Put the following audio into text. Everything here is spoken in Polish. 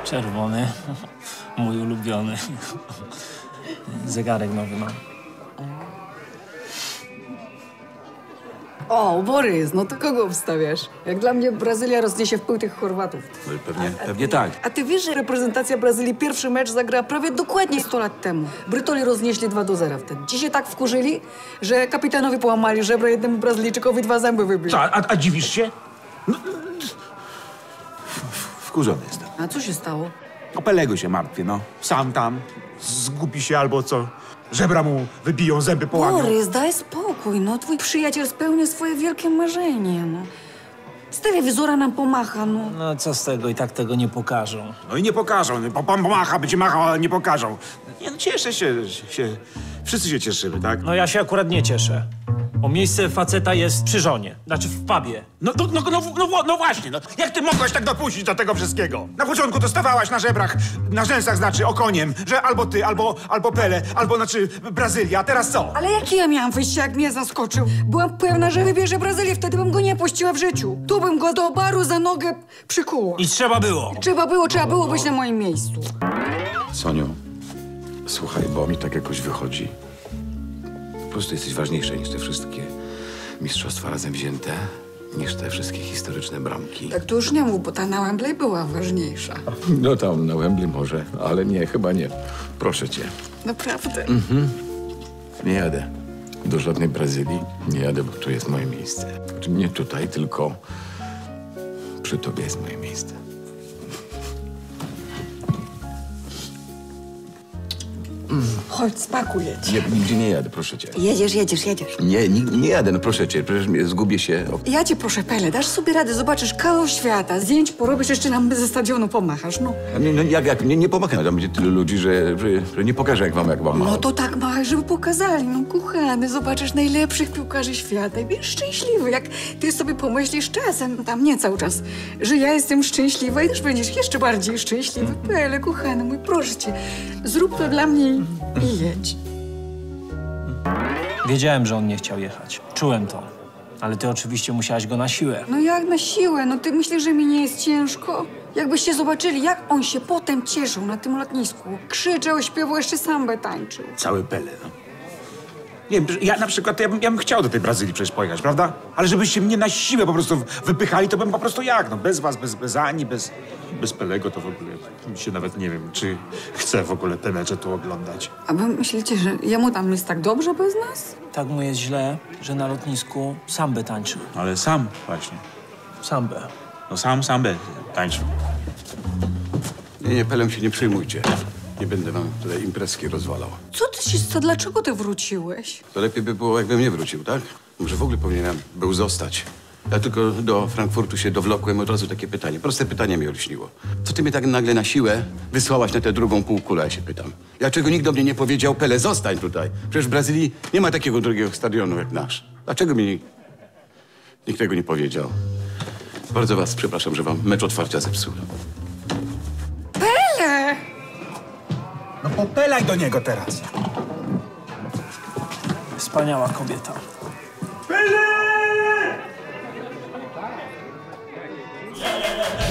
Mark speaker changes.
Speaker 1: Czerwony. Mój ulubiony. Zegarek nowy mam.
Speaker 2: O, Borys, no to kogo wstawiasz? Jak dla mnie Brazylia rozniesie w pył tych Chorwatów.
Speaker 3: No i pewnie tak.
Speaker 2: A ty wiesz, że reprezentacja Brazylii pierwszy mecz zagrała prawie dokładnie 100 lat temu. Brytoli roznieśli 2-0 wtedy. Ci się tak wkurzyli, że kapitanowi połamali żebra, jednemu Brazylijczykowi 2 zęby wybili.
Speaker 3: Co, a dziwisz się? No, wkurzony jestem.
Speaker 2: A co się stało?
Speaker 3: O Pelego się martwię, no. Sam tam zgubi się albo co. Żebra mu wybiją, zęby połamią.
Speaker 2: Borys, daj spokój, no. Twój przyjaciel spełnia swoje wielkie marzenie, no. Z telewizora nam pomacha, no.
Speaker 1: No co z tego, i tak tego nie pokażą.
Speaker 3: No i nie pokażą. Pan pomacha, będzie machał, ale nie pokażą. Nie, no cieszę się. Wszyscy się cieszymy, tak?
Speaker 1: No ja się akurat nie cieszę. Bo miejsce faceta jest przy żonie. Znaczy w pubie.
Speaker 3: No właśnie, no. Jak ty mogłaś tak dopuścić do tego wszystkiego? Na początku to stawałaś na żebrach, na rzęsach znaczy, okoniem, że albo ty, albo Pele, albo znaczy Brazylia, a teraz co?
Speaker 2: Ale jakie ja miałam wyjście, jak mnie zaskoczył? Byłam pewna, że wybierze Brazylię, wtedy bym go nie puściła w życiu. Tu bym go do baru za nogę przykuła.
Speaker 1: I trzeba było.
Speaker 2: Trzeba było być na moim miejscu.
Speaker 4: Soniu, słuchaj, bo mi tak jakoś wychodzi. Po prostu jesteś ważniejsza niż te wszystkie mistrzostwa razem wzięte, niż te wszystkie historyczne bramki.
Speaker 2: Tak to już nie mów, bo ta na Wembley była ważniejsza.
Speaker 4: No tam na Wembley może, ale nie, chyba nie. Proszę cię.
Speaker 2: Naprawdę.
Speaker 4: Nie jadę do żadnej Brazylii. Nie jadę, bo tu jest moje miejsce. Znaczy nie tutaj, tylko przy tobie jest moje miejsce.
Speaker 2: Chodź, spakuję cię.
Speaker 4: Nigdzie nie jadę, proszę cię.
Speaker 2: Jedziesz.
Speaker 4: Nie jadę, no proszę cię, przecież zgubię się.
Speaker 2: Ja cię proszę, Pele, dasz sobie radę, zobaczysz kawał świata, zdjęć porobisz, jeszcze nam ze stadionu pomachasz, no.
Speaker 4: Nie pomagam, tam będzie tylu ludzi, że nie pokażę, jak wam mało.
Speaker 2: No to tak machaj, żeby pokazali, no kochany, zobaczysz najlepszych piłkarzy świata i będziesz szczęśliwy, jak ty sobie pomyślisz czasem, tam nie cały czas, że ja jestem szczęśliwa i też będziesz jeszcze bardziej szczęśliwy. Pele, kochany mój, proszę cię, zrób to dla mnie i jedź.
Speaker 1: Wiedziałem, że on nie chciał jechać. Czułem to. Ale ty oczywiście musiałaś go na siłę.
Speaker 2: No jak na siłę, no ty myślisz, że mi nie jest ciężko? Jakbyście zobaczyli, jak on się potem cieszył na tym lotnisku. Krzyczał, śpiewał, jeszcze sambę tańczył.
Speaker 3: Cały Pele, no. Nie wiem, ja na przykład, ja bym chciał do tej Brazylii przecież pojechać, prawda? Ale żebyście mnie na siłę po prostu wypychali, to bym po prostu jak, no. Bez was, bez Ani, bez Pelego to w ogóle się nawet nie wiem, czy chcę w ogóle te mecze tu oglądać.
Speaker 2: A wy myślicie, że jemu tam jest tak dobrze bez nas?
Speaker 1: Tak mu jest źle, że na lotnisku sambę tańczył.
Speaker 3: Ale sam właśnie.
Speaker 1: Sambę.
Speaker 3: No sam tańczył.
Speaker 4: Nie, Pelem się nie przejmujcie. Nie będę wam tutaj imprezki rozwalał.
Speaker 2: Co ty się stało? Dlaczego ty wróciłeś?
Speaker 4: To lepiej by było, jakbym nie wrócił, tak? Może w ogóle powinienem był zostać. Ja tylko do Frankfurtu się dowlokłem, od razu takie pytanie. Proste pytanie mi olśniło. Co ty mnie tak nagle na siłę wysłałaś na tę drugą półkulę, ja się pytam. Dlaczego nikt do mnie nie powiedział, Pele, zostań tutaj? Przecież w Brazylii nie ma takiego drugiego stadionu jak nasz. Dlaczego mi nikt tego nie powiedział? Bardzo was przepraszam, że wam mecz otwarcia zepsułem.
Speaker 2: Pele!
Speaker 3: No popelaj do niego teraz.
Speaker 1: Wspaniała kobieta.
Speaker 3: Pele!